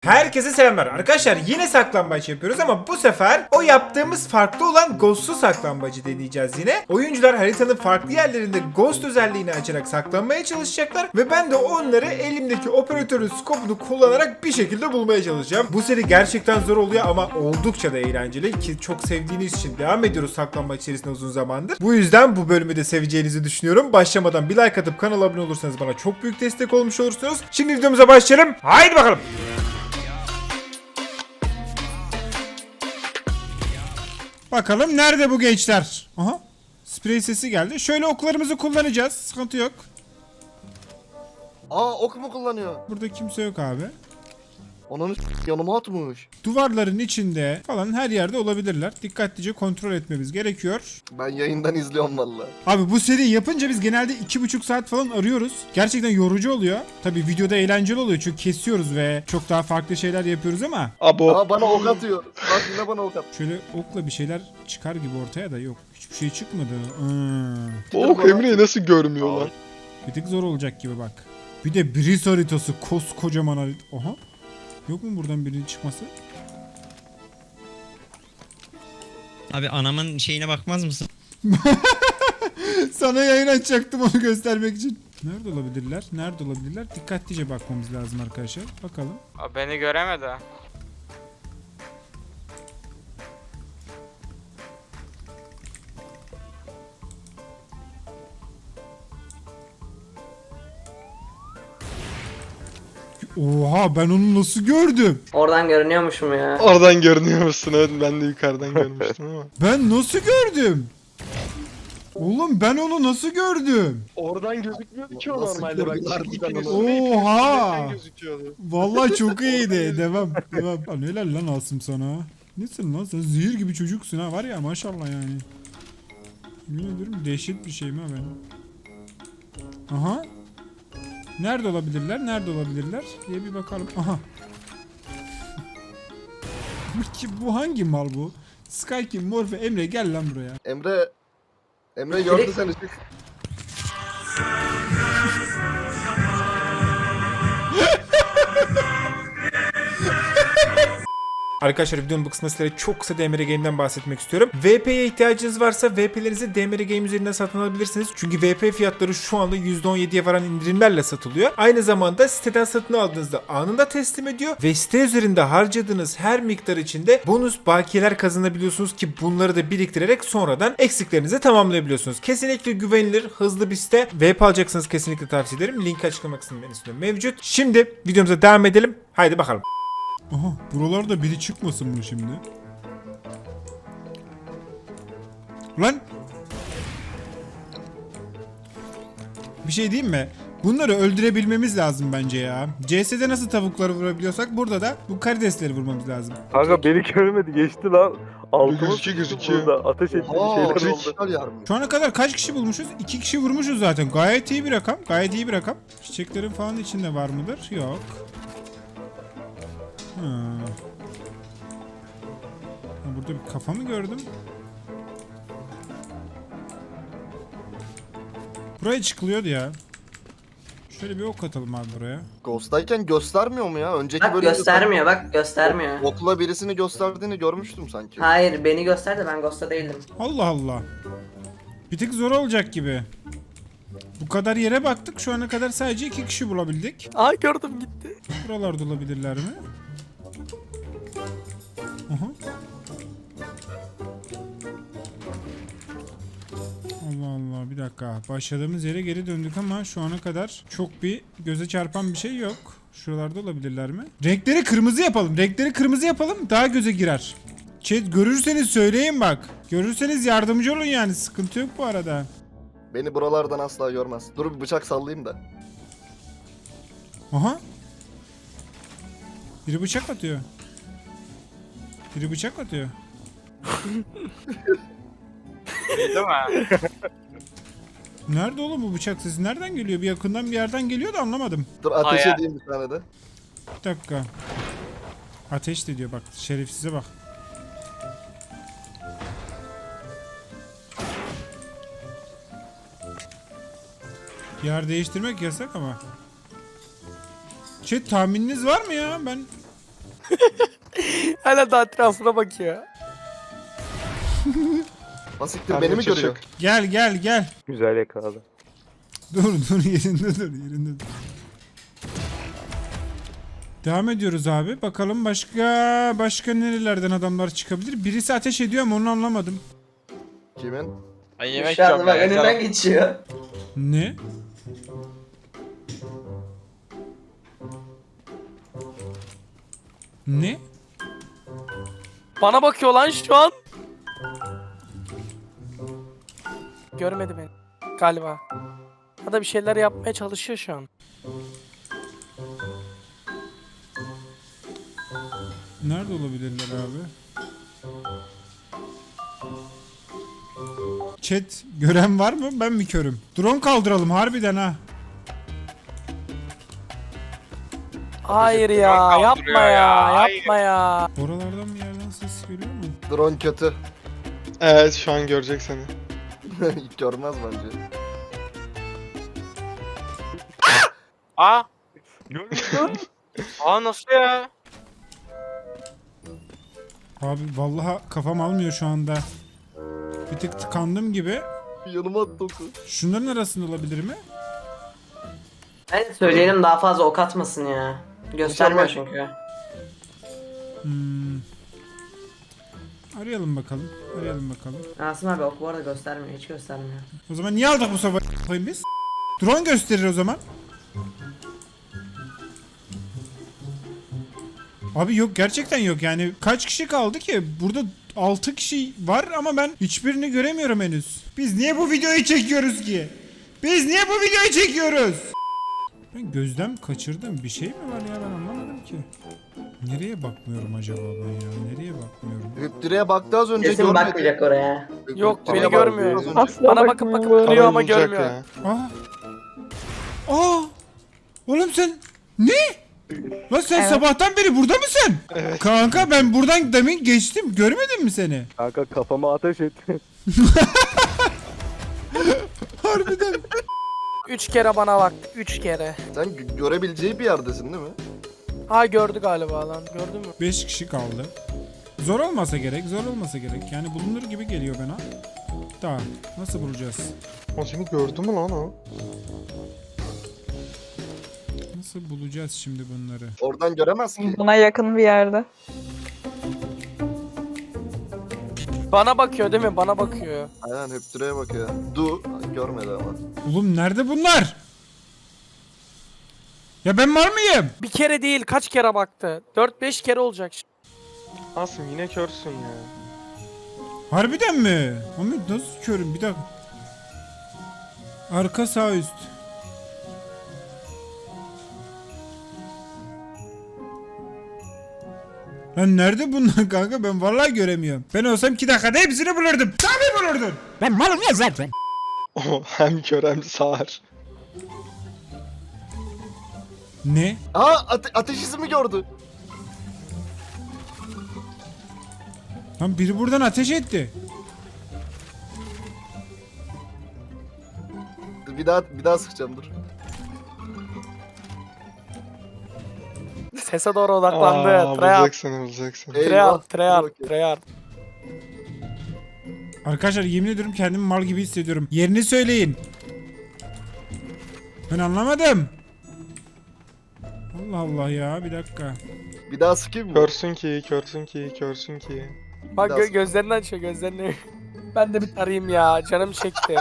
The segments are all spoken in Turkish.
Herkese selamlar. Arkadaşlar yine saklambaç yapıyoruz ama bu sefer o yaptığımız farklı olan ghost'lu saklambacı deneyeceğiz yine. Oyuncular haritanın farklı yerlerinde ghost özelliğini açarak saklanmaya çalışacaklar ve ben de onları elimdeki operatörün skopunu kullanarak bir şekilde bulmaya çalışacağım. Bu seri gerçekten zor oluyor ama oldukça da eğlenceli ki çok sevdiğiniz için devam ediyoruz saklambaç içerisinde uzun zamandır. Bu yüzden bu bölümü de seveceğinizi düşünüyorum. Başlamadan bir like atıp kanala abone olursanız bana çok büyük destek olmuş olursunuz. Şimdi videomuza başlayalım. Haydi bakalım. Bakalım nerede bu gençler? Aha. Sprey sesi geldi. Şöyle oklarımızı kullanacağız. Sıkıntı yok. Aa, ok mu kullanıyor? Burada kimse yok abi. Ananı yanıma atmış. Duvarların içinde falan her yerde olabilirler. Dikkatlice kontrol etmemiz gerekiyor. Ben yayından izliyorum valla. Abi bu seri yapınca biz genelde 2,5 saat falan arıyoruz. Gerçekten yorucu oluyor. Tabii videoda eğlenceli oluyor çünkü kesiyoruz ve çok daha farklı şeyler yapıyoruz ama Aa, bana ok atıyor. Bak yine bana ok at. şöyle okla bir şeyler çıkar gibi ortaya da yok. Hiçbir şey çıkmadı. O ok Emre'yi nasıl görmüyorlar? Bir tık zor olacak gibi bak. Bir de Breeze haritası koskocaman harita. Oha. Yok mu buradan birinin çıkması? Abi anamın şeyine bakmaz mısın? Sana yayın açacaktım onu göstermek için. Nerede olabilirler? Nerede olabilirler? Dikkatlice bakmamız lazım arkadaşlar. Bakalım. Abi beni göremedi. Oha ben onu nasıl gördüm? Oradan görünüyormuşum ya. Oradan görünüyor musun? Evet, ben de yukarıdan görmüştüm ama. Ben nasıl gördüm? Oğlum ben onu nasıl gördüm? Oradan gözükmüyordu ki o Nasıl normalde bak. gördüler İkiniz onu? de Oha! ikisinden gözüküyordu. Vallahi çok iyiydi. Devam. Devam. Lan helal lan Asım sana. Nesin lan sen zehir gibi çocuksun ha var ya maşallah yani. Yemin ediyorum dehşet bir şey mi ha ben? Aha. Nerede olabilirler? Nerede olabilirler? Diye bir bakalım. Aha. Bu hangi mal bu? Sky King, Morphe, Emre gel lan buraya. Emre gördü seni. Çık. Arkadaşlar videonun bu kısmında sizlere çok kısa DMR Game'den bahsetmek istiyorum. VP'ye ihtiyacınız varsa VP'lerinizi DMR Game üzerinden satın alabilirsiniz. Çünkü VP fiyatları şu anda %17'ye varan indirimlerle satılıyor. Aynı zamanda siteden satın aldığınızda anında teslim ediyor. Ve site üzerinde harcadığınız her miktar içinde bonus bakiyeler kazanabiliyorsunuz ki bunları da biriktirerek sonradan eksiklerinizi tamamlayabiliyorsunuz. Kesinlikle güvenilir, hızlı bir site. VP alacaksınız kesinlikle tavsiye ederim. Link açıklama kısmında mevcut. Şimdi videomuza devam edelim. Haydi bakalım. Aha buralarda biri çıkmasın mı şimdi? Lan! Bir şey diyeyim mi? Bunları öldürebilmemiz lazım bence ya. CS'de nasıl tavukları vurabiliyorsak burada da bu karidesleri vurmamız lazım. Kanka beni görmedi geçti lan. Altıma Gözüküyor. burada. Ateş etti bir Aa, şeyler üç oldu. kişiler yarmış. Şu ana kadar kaç kişi bulmuşuz? 2 kişi vurmuşuz zaten. Gayet iyi bir rakam. Gayet iyi bir rakam. Çiçeklerin falan içinde var mıdır? Yok. Burada bir kafa mı gördüm? Buraya çıkılıyordu ya. Şöyle bir ok atalım abi buraya. Ghost'tayken göstermiyor mu ya? Önceki Bak bölümde göstermiyor, bak göstermiyor. okla birisini gösterdiğini görmüştüm sanki. Hayır, beni gösterdi, ben Ghost'ta değildim. Allah Allah. Bir tık zor olacak gibi. Bu kadar yere baktık. Şu ana kadar sadece 2 kişi bulabildik. Aa gördüm gitti. Buralarda olabilirler mi? Aha. Allah Allah bir dakika. Başladığımız yere geri döndük ama şu ana kadar çok bir göze çarpan bir şey yok. Şuralarda olabilirler mi? Renkleri kırmızı yapalım. Renkleri kırmızı yapalım. Daha göze girer. Chat görürseniz söyleyin bak. Görürseniz yardımcı olun yani. Sıkıntı yok bu arada. Beni buralardan asla görmez. Dur bir bıçak sallayayım da. Aha. Biri bıçak atıyor. Biri bıçak atıyor. Değil mi? Nerede oğlum bu bıçak sesi? Nereden geliyor? Bir yakından bir yerden geliyor da anlamadım. Dur ateş Aya. edeyim bir tane de. Bir dakika. Ateş de diyor bak. Şerefsize bak. Yer değiştirmek yasak ama. Chat tahmininiz var mı ya? Ben Hala da etrafına bakıyor. Basiktir beni mi Kardeşim görüyor? çık. Gel. Güzel yakaladı. Dur yerinde dur. Devam ediyoruz abi. Bakalım başka nerelerden adamlar çıkabilir? Birisi ateş ediyor ama onu anlamadım. Kimin? Ben yemek Şu anda yiyorum bak ya. önünden geçiyor. Ne? Ne? Bana bakıyor lan şu an. Görmedi beni. Galiba. Ya da bir şeyler yapmaya çalışıyor şu an. Nerede olabilirler abi? Chat gören var mı? Ben mi körüm? Drone kaldıralım harbiden ha. Hayır ya, Kaldırıyor yapma ya, ya, hayır. yapma ya. Oralardan bir yerden ses geliyor mu? Drone kötü. Evet şu an görecek seni. Görmez bence. Aa. Görmüyor Aa nasıl ya? Abi vallahi kafam almıyor şu anda. Bir tık tıkandım gibi. Yanıma attı oku. Şunların arasında olabilir mi? Ben söyleyelim daha fazla ok atmasın ya. Göstermiyor çünkü. Arayalım bakalım. Asım abi ok bu arada göstermiyor. Hiç göstermiyor. O zaman niye aldık bu sabah koyayım biz? Drone gösterir o zaman. Abi yok gerçekten yok yani kaç kişi kaldı ki? Burada 6 kişi var ama ben hiçbirini göremiyorum henüz. Biz niye bu videoyu çekiyoruz ki? Ben gözlem kaçırdım. Bir şey mi var ya ben anlamadım ki. Nereye bakmıyorum acaba ben ya? Nereye bakmıyorum? Hüptüre'ye baktı az önce Kesin görmedi. bakmayacak oraya. Yok, Hüptüre'ye beni baktı görmüyor. az önce. Asla Bana bakıp bakmıyor. bakıp duruyor ama Bulacak görmüyor. ya. Aa! Oğlum sen ne? Lan sen sabahtan beri burada mısın? Evet. Kanka ben buradan demin geçtim. Görmedim mi seni? Kanka kafama ateş et. Harbiden. 3 kere bana baktı, 3 kere. Sen görebileceği bir yerdesin değil mi? Ha gördü galiba lan, gördün mü? 5 kişi kaldı. Zor olmasa gerek. Yani bulunur gibi geliyor bana. Daha nasıl bulacağız? O seni gördü mü lan o? Nasıl bulacağız şimdi bunları? Oradan göremez ki. Buna yakın bir yerde. Bana bakıyor değil mi? Bana bakıyor. Aynen Hüptüre'ye bakıyor. Görmedi ama. Oğlum nerede bunlar? Ya ben var mıyım? Bir kere değil, kaç kere baktı? 4-5 kere olacak şimdi. Asım yine körsün ya. Harbiden mi? Ahmet nasıl körüm? Bir dakika. Arka sağ üst. Lan nerede bunlar kanka? Ben vallahi göremiyorum. Ben olsam 2 dakikada hepsini bulurdum. Tabii bulurdun. Ben malım ya zaten. O hem kör hem sağır. Ne? Aa ateş izi mi gördü? Lan biri buradan ateş etti. Bir daha sıkacağım dur. Sese doğru odaklandı. Treyarch. Bulacaksın. Eyvah. Treyarch. Dur bakayım. Arkadaşlar yemin ediyorum kendimi mal gibi hissediyorum. Yerini söyleyin. Ben anlamadım. Allah Allah ya bir dakika. Bir daha sıkayım mı? Körsün ki. Bak Biraz- gözlerini açıyor, gözlerini. Ben de bir tarayayım ya, canım çekti.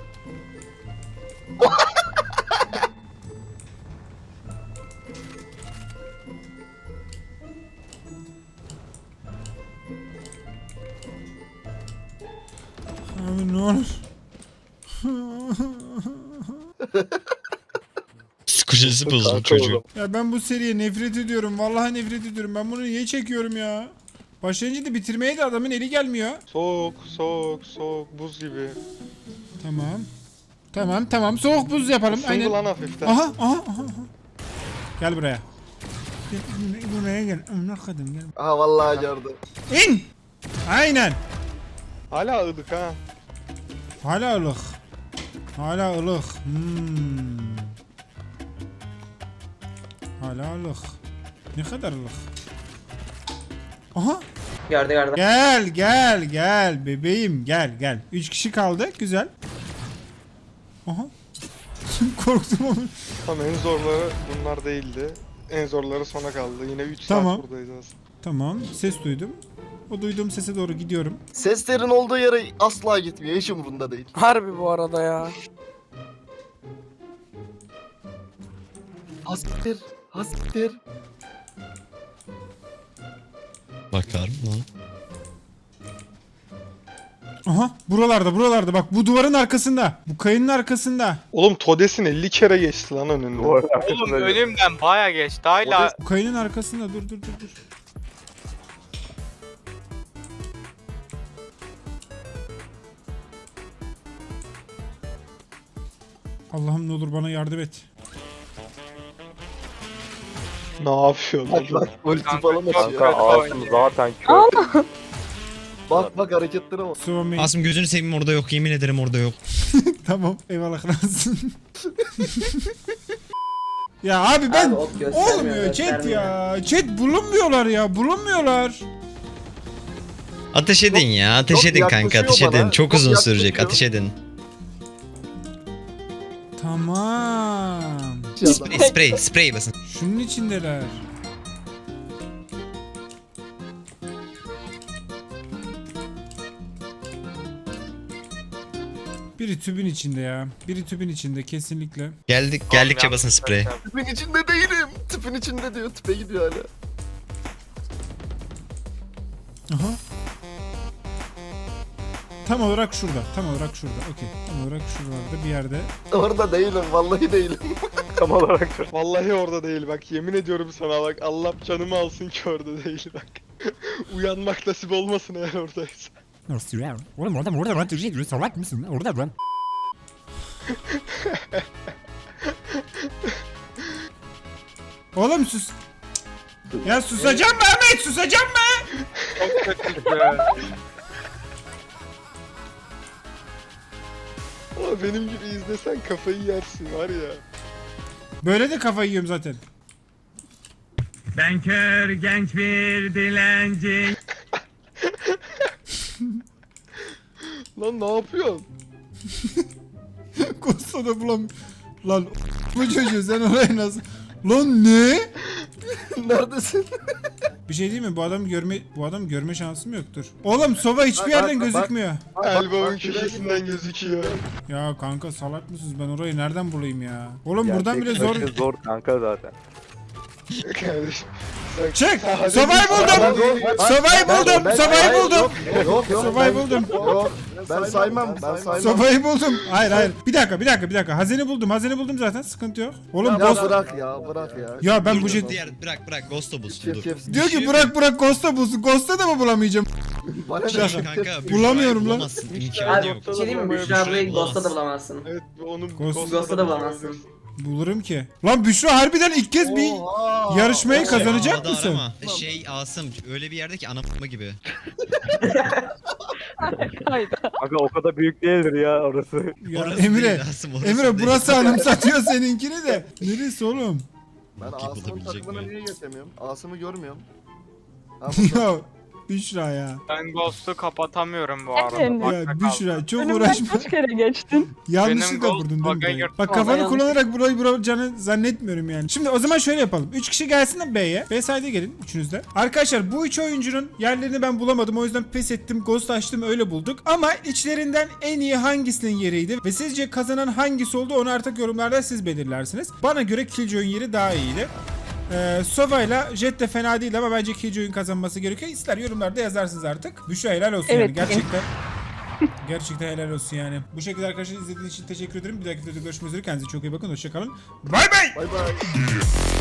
Abi ne olur. Psikolojisi bozuldu Kanka çocuğun. oğlum. Ya ben bu seriye nefret ediyorum. Vallahi nefret ediyorum. Ben bunu niye çekiyorum ya? Başlayınca da bitirmeye de adamın eli gelmiyor. Soğuk buz gibi. Tamam. Soğuk buz yapalım. Isındı Aynen. lan hafiften. Aha. Gel buraya. Buraya gel. Ne kadın gel. Aha vallahi gördü. İn. Aynen. Hala ılık ha. Hala ılık. Hala ılık. Ne kadar ılık. Aha. Gördü. Gel bebeğim gel. 3 kişi kaldı. Güzel. Aha. Korktum ama. Ama en zorları bunlar değildi. En zorları sona kaldı. Yine 3 Tamam. saat buradayız aslında. Tamam. Ses duydum. O duyduğum sese doğru gidiyorum. Seslerin olduğu yere asla gitmiyor. Hiç umurunda değil. Harbi bu arada ya. Hastir. Hastir. Bakar mı? Aha. Buralarda bak bu duvarın arkasında. Bu kayının arkasında. Oğlum Todes'in 50 kere geçti lan önünden. Bu arada Oğlum arkasında önümden baya geçti hala. Bu kayının arkasında. Dur. Allah'ım ne olur bana yardım et. Ne yapıyorsun Bak oğlum? bak. Ulti Kanka, falan çok açıyor. Kanka Asım zaten kör. Bak hareketlere bak. Sıvamayın. Asım gözünü seveyim orada yok. Yemin ederim orada yok. Tamam. Eyvallah kralsın. Ya abi ben Abi, ot göstermiyor, olmuyor chat göstermiyor. ya. Chat bulunmuyorlar ya. Bulunmuyorlar. Ateş edin ya. Ateş çok edin kanka. yaklaşıyor Ateş edin. bana, Çok çok uzun sürecek. yaklaşıyor. Ateş edin. Tamam. Sprey basın. Şunun içindeler. Biri tübün içinde ya. Biri tübün içinde kesinlikle. Geldikçe basın sprey. Tüpün içinde değilim. Tüpün içinde diyor. Tüpe gidiyor hala. Aha. Tam olarak şurada. Okey. Tam olarak şuralarda bir yerde. Orada değilim. Vallahi değilim. Tam olarak şu. Vallahi orada değil bak. Yemin ediyorum sana bak. Allah canımı alsın ki orada değil bak. Uyanmak nasip olmasın eğer oradaysa. Oğlum orada salak mısın? Orada ben. Oğlum sus. Ya susacağım mı Ahmet? Susacağım mı? Çok kötü. Ama benim gibi izlesen kafayı yersin var ya. Böyle de kafayı yiyorum zaten. Ben kör genç bir dilenci. Lan ne yapıyorsun? Kosta bulam. Lan bu çocuğu sen oraya nasıl? Lan ne? Neredesin? Bir şey değil mi? Bu adam görme şansım yoktur. Oğlum Sova hiçbir yerden bak, gözükmüyor. Elbow'un köşesinden gözüküyor. Ya kanka salak mısınız? Ben orayı nereden bulayım ya? Oğlum buradan bile zor. Gerçek zor kanka zaten. Kardeşim. Çık! Hadi. Sova'yı buldum! Sova'yı buldum! Sova'yı buldum! Yok. Sova'yı buldum! Yok. Ben saymam. Sova'yı buldum! Hayır. Bir dakika. Hazine buldum zaten. Sıkıntı yok. Oğlum Ya Ghost... bırak ya. Ya ben Dur, bu dur, jet... bırak Ghost'u bulsun Kef dur. kef. Diyor ki bırak Ghost'a bulsun. Ghost'a da mı bulamayacağım? Bana ne? Şaka. Kanka Bulamıyorum lan. bulamazsın. Abi İmkanı yok. bir şey diyeyim mi? Büşra ablayı Ghost'ta da bulamazsın. Evet onu Ghost'ta da bulamazsın. Bulurum ki. Lan Büşra harbiden ilk kez bir Oha! yarışmayı kazanacak Havada mısın? arama. Asım öyle bir yerde ki anamma gibi. Kanka o kadar büyük değildir ya orası. Ya Orası Emre, değil Asım, orası Emre değil. burası anımsatıyor seninkini de. Neresi oğlum? Ben Bok Asım'ın yapılabilecek takımına mi? niye geçemiyorum? Asım'ı görmüyorum. Ya Büşra ya. Ben Ghost'u kapatamıyorum bu arada. Efendim? Bakta Ya kaldım. Büşra çok Önümden uğraşma. kaç kere geçtin? Yanlışlıkla Benim vurdun değil mi Ghost burayı? bug'a Bak Vallahi kafanı yanlış. kullanarak burayı vuracağını zannetmiyorum yani. Şimdi o zaman şöyle yapalım. 3 kişi gelsin de B'ye. B side'e gelin üçünüz de. Arkadaşlar bu 3 oyuncunun yerlerini ben bulamadım. O yüzden pes ettim. Ghost açtım öyle bulduk. Ama içlerinden en iyi hangisinin yeriydi? Ve sizce kazanan hangisi oldu? Onu artık yorumlarda siz belirlersiniz. Bana göre Killjoy'un yeri daha iyiydi. Sova ile Jet de fena değil ama bence Killjoy'un kazanması gerekiyor. İster yorumlarda yazarsınız artık. Büşra helal olsun Evet. yani gerçekten helal olsun yani. Bu şekilde arkadaşlar izlediğiniz için teşekkür ederim. Bir dahaki videoda görüşmek üzere. Kendinize çok iyi bakın. Hoşçakalın. Bay bay. Bay bay.